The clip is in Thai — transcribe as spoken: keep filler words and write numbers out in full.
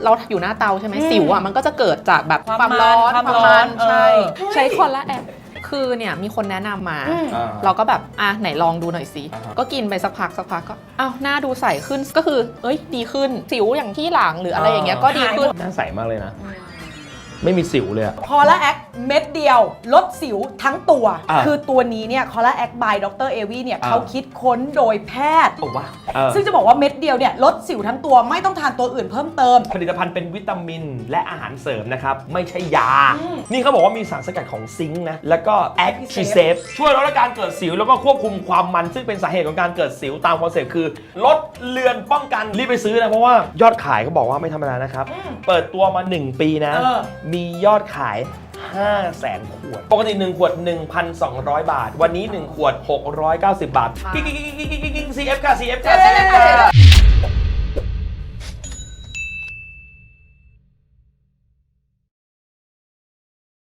เราอยู่หน้าเตาใช่ไหมสิวอ่ะมันก็จะเกิดจากแบบความร้อนความร้อนใช่ใช้คอลลาแอปคือเนี่ยมีคนแนะนำมาอ่าเราก็แบบอ่ะไหนลองดูหน่อยสิอ่าฮะก็กินไปสักพักสักพักก็อ้าวหน้าดูใสขึ้นก็คือเอ้ยดีขึ้นสิวอย่างที่หลังหรืออะไรอย่างเงี้ยก็ดีขึ้นหน้าใสมากเลยนะ ไม่มีสิวเลยอะคอลลาแอคเม็ดเดียวลดสิวทั้งตัวอ่าคือตัวนี้เนี่ยคอลลาแอคบายดรเอวีเนี่ยอ่าเขาคิดค้นโดยแพทย์โอ้ว้าเออซึ่งจะบอกว่าเม็ดเดียวเนี่ยลดสิวทั้งตัวไม่ต้องทานตัวอื่นเพิ่มเติมผลิตภัณฑ์เป็นวิตามินและอาหารเสริมนะครับ ไม่ใช่ยาอืมนี่เขาบอกว่ามีสารสกัดของซิงค์นะ แล้วก็แอคทีเซฟช่วยลดอาการเกิดสิวแล้วก็ควบคุมความมันซึ่งเป็นสาเหตุของการเกิดสิวตามคอนเซ็ปต์คือ ลดเลือนป้องกันรีบไปซื้อนะเพราะว่ายอดขายเขาบอกว่าไม่ธรรมดานะครับ เปิดตัวมา หนึ่ง ปีนะเออมียอดขาย ห้าแสน ขวด ปกติ หนึ่ง ขวด หนึ่งพันสองร้อย บาท วันนี้ หนึ่ง ขวด หกร้อยเก้าสิบ บาทกิ๊กกิ๊กกิ๊กกิ๊กกิ๊ก ซี เอฟ ค่ะ ซี เอฟ ค่ะ ซี เอฟ ค่ะ